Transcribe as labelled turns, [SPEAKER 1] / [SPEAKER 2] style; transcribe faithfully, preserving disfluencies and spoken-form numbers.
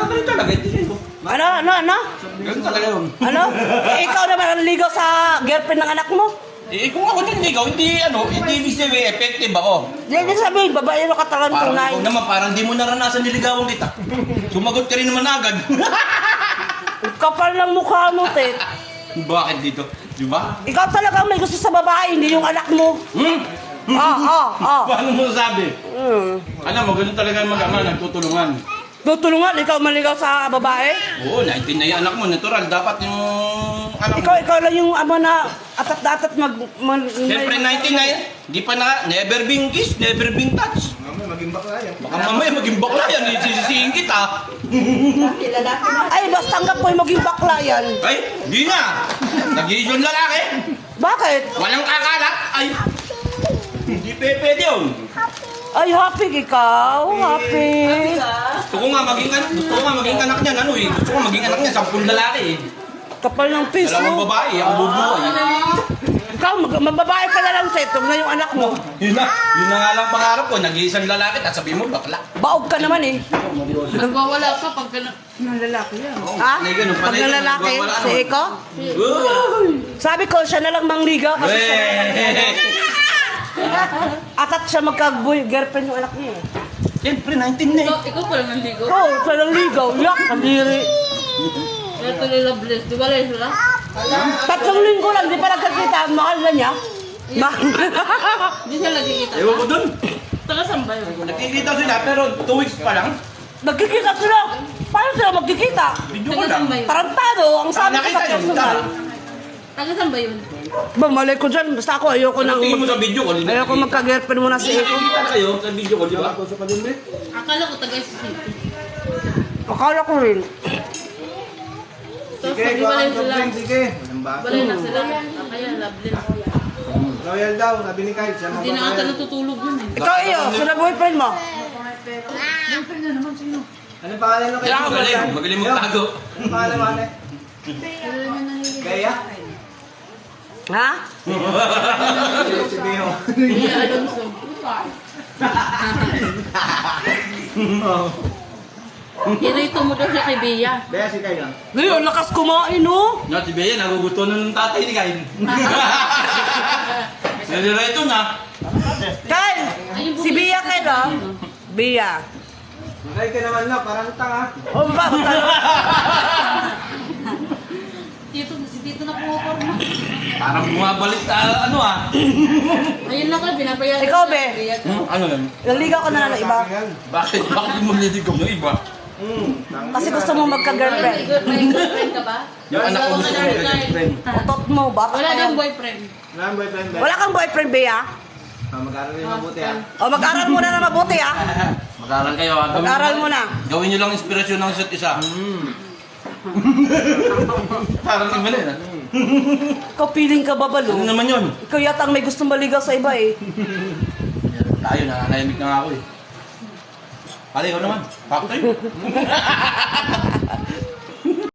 [SPEAKER 1] ganun talaga, hindi mo.
[SPEAKER 2] Ano, ano, ano?
[SPEAKER 1] Ganun talaga yun.
[SPEAKER 2] Ano? Eh, ikaw naman ang ligaw sa girlfriend ng anak mo?
[SPEAKER 1] Eh, kung ako din ligaw, hindi, ano, hindi ibig sabihin, effective ako.
[SPEAKER 2] Hindi sabihin, babae na katawan
[SPEAKER 1] Parang
[SPEAKER 2] tunay.
[SPEAKER 1] ikaw naman, parang di mo naranasan niligawan kita. Sumagot ka rin naman agad.
[SPEAKER 2] Kapal ng mukha mo, Tet.
[SPEAKER 1] Bakit dito? Di ba?
[SPEAKER 2] Ikaw talagang may gusto sa babae, hindi yung anak mo.
[SPEAKER 1] Hmm?
[SPEAKER 2] Ah, ah, ah.
[SPEAKER 1] Paano mo sabi?
[SPEAKER 2] Hmm.
[SPEAKER 1] Alam mo, ganun talaga ang mag-ama, nagtutulungan.
[SPEAKER 2] Tutulungan, ikaw maligaw sa babae?
[SPEAKER 1] Oo, nineteen na yung anak mo, natural. Dapat yung anak mo.
[SPEAKER 2] Ikaw, ikaw lang yung ama na atat-datat mag... mag
[SPEAKER 1] Siyempre, nineteen na yan. Di pa na, never been kissed, never been touched.
[SPEAKER 3] Mamaya maging bakla yan.
[SPEAKER 1] Baka mamaya maging bakla yan, sisisihin kita.
[SPEAKER 2] Ay, basta tanggap ko yung maging bakla yan.
[SPEAKER 1] Ay, di na. Nag-iisyon lalaki.
[SPEAKER 2] Bakit?
[SPEAKER 1] Walang kakalat. Ay, hindi pe pwede yun.
[SPEAKER 2] Ay, happy ikaw. Happy.
[SPEAKER 1] Gusto ko nga maging anak, gusto ko nga maging anak niyan, ano eh. Gusto ko maging anak niya, sampung lalaki eh.
[SPEAKER 2] Kapal ng piso.
[SPEAKER 1] Dalawang babae, ang bubuhay.
[SPEAKER 2] Ikaw, mag- mababae ka na lang, Tet. Huwag na yung anak mo.
[SPEAKER 1] Yun na, yun na nga lang pangarap ko, nag-iisang lalaki, at sabihin mo, bakla.
[SPEAKER 2] Baog ka naman eh.
[SPEAKER 4] Nagwawala ka pag ka ng lalaki yan.
[SPEAKER 2] Ha?
[SPEAKER 1] Panay ganun,
[SPEAKER 2] Pag
[SPEAKER 1] panay ganun,
[SPEAKER 2] nalalaki,
[SPEAKER 1] wala
[SPEAKER 2] si
[SPEAKER 1] naman.
[SPEAKER 2] Eko?
[SPEAKER 1] Uy!
[SPEAKER 2] Sabi ko, siya na lang mangligaw kasi siya na lang.
[SPEAKER 1] Weh!
[SPEAKER 2] Atat siya magka-girlfriend yung anak niya eh.
[SPEAKER 1] Siyempre, nineteen na eh.
[SPEAKER 4] Ikaw, ikaw pala nandigo.
[SPEAKER 2] Oo, oh, siya lang ligaw. Yak, kadiri.
[SPEAKER 4] Kaya ito nila bless. Di ba lang sila?
[SPEAKER 2] Tatlong linggo lang, di pa nagkakita. Mahal na niya. Mahal.
[SPEAKER 4] Hindi sila nagkikita.
[SPEAKER 1] Ewan ko dun.
[SPEAKER 4] Taga saan ba yun?
[SPEAKER 1] Nagkikita sila, pero two weeks pa lang.
[SPEAKER 2] Nagkikita sila. Paano sila magkikita?
[SPEAKER 1] Video ko
[SPEAKER 4] Taga
[SPEAKER 1] lang.
[SPEAKER 4] saan ba yun?
[SPEAKER 2] Tarantado, ang sabi ko
[SPEAKER 1] Nakita
[SPEAKER 2] sa
[SPEAKER 1] niyo,
[SPEAKER 2] personal.
[SPEAKER 4] Taga saan ba yun?
[SPEAKER 2] Ba, malay ko dyan. Basta ako, ayoko nang...
[SPEAKER 1] Tingin mo sa video ko.
[SPEAKER 2] Ayoko magka-girlfriend muna si Eko.
[SPEAKER 1] Nakikita na kayo sa video ko, di ba?
[SPEAKER 3] Tusok ka din, Bek.
[SPEAKER 4] Akala ko taga S C P.
[SPEAKER 2] Akala ko rin.
[SPEAKER 4] Tapos
[SPEAKER 3] Sige,
[SPEAKER 4] sabi
[SPEAKER 3] kuha
[SPEAKER 4] ba
[SPEAKER 3] ka
[SPEAKER 4] lang
[SPEAKER 3] ng
[SPEAKER 4] sila?
[SPEAKER 3] drink, sige. Walang baso.
[SPEAKER 4] Balay na sila. Ah, kaya loveless.
[SPEAKER 3] Royal daw, sabi ni Kyle. Siya
[SPEAKER 4] Hindi na ata
[SPEAKER 3] magpapayal.
[SPEAKER 4] natutulog yun eh.
[SPEAKER 2] Ikaw, iyo, sila boyfriend mo.
[SPEAKER 4] Boyfriend na naman sino?
[SPEAKER 3] Anong pangalan mo kayo?
[SPEAKER 1] Kailangan magaling, magaling magtago.
[SPEAKER 3] Anong pangalan mo, ate? Gaya?
[SPEAKER 2] Ha?
[SPEAKER 3] Si Beo.
[SPEAKER 4] Iya Alonso. Irito mo daw siya kay Bea.
[SPEAKER 3] Bea, si Kyle lang.
[SPEAKER 2] Ngayon, lakas kumain, oh.
[SPEAKER 1] Nga, si Bea, nagugusto na ng tatay ni Kain. Nalireto na.
[SPEAKER 2] Kyle, si Bia Kyle, oh. Bia.
[SPEAKER 3] Kyle ka naman lang, parang tanga.
[SPEAKER 2] Oh, ba?
[SPEAKER 4] Tito, si Tito na pumaporma.
[SPEAKER 1] Parang bumabalik ta, ano ah.
[SPEAKER 4] Ayun lang ka, binabayaran
[SPEAKER 2] Ikaw,
[SPEAKER 4] siya.
[SPEAKER 2] Be.
[SPEAKER 4] Bea ka.
[SPEAKER 1] Hmm, ano yan?
[SPEAKER 2] Naligaw ka na ng iba.
[SPEAKER 1] Bakit? Bakit di mo niligaw ng iba?
[SPEAKER 3] Hmm.
[SPEAKER 2] Kasi gusto mo magka-girlfriend.
[SPEAKER 4] May good- may girlfriend ka ba?
[SPEAKER 1] Yung anak ko gusto ko
[SPEAKER 4] Wala
[SPEAKER 1] mag-girlfriend.
[SPEAKER 2] Utot mo, bata
[SPEAKER 4] Wala
[SPEAKER 2] ka
[SPEAKER 4] din
[SPEAKER 2] yan.
[SPEAKER 4] boyfriend.
[SPEAKER 3] Wala ang boyfriend, Bea.
[SPEAKER 2] Wala kang boyfriend, Bea?
[SPEAKER 3] Ah, mag-aaral rin mabuti, ah.
[SPEAKER 2] O, mag-aral muna na mabuti, ha?
[SPEAKER 1] Mag-aral kayo ah. Gawin
[SPEAKER 2] Mag-aral
[SPEAKER 1] nyo-
[SPEAKER 2] muna.
[SPEAKER 1] Gawin nyo lang inspirasyon ng isa't isa.
[SPEAKER 3] Hmm.
[SPEAKER 1] Parang iba na yun ah.
[SPEAKER 2] Ikaw, feeling ka ba,
[SPEAKER 1] Ano
[SPEAKER 2] Balo?
[SPEAKER 1] naman yun?
[SPEAKER 2] Ikaw yata ang may gustong maligaw sa iba, eh.
[SPEAKER 1] Tayo, nananayamik na nga ako eh. Pare, ikaw naman. Factory.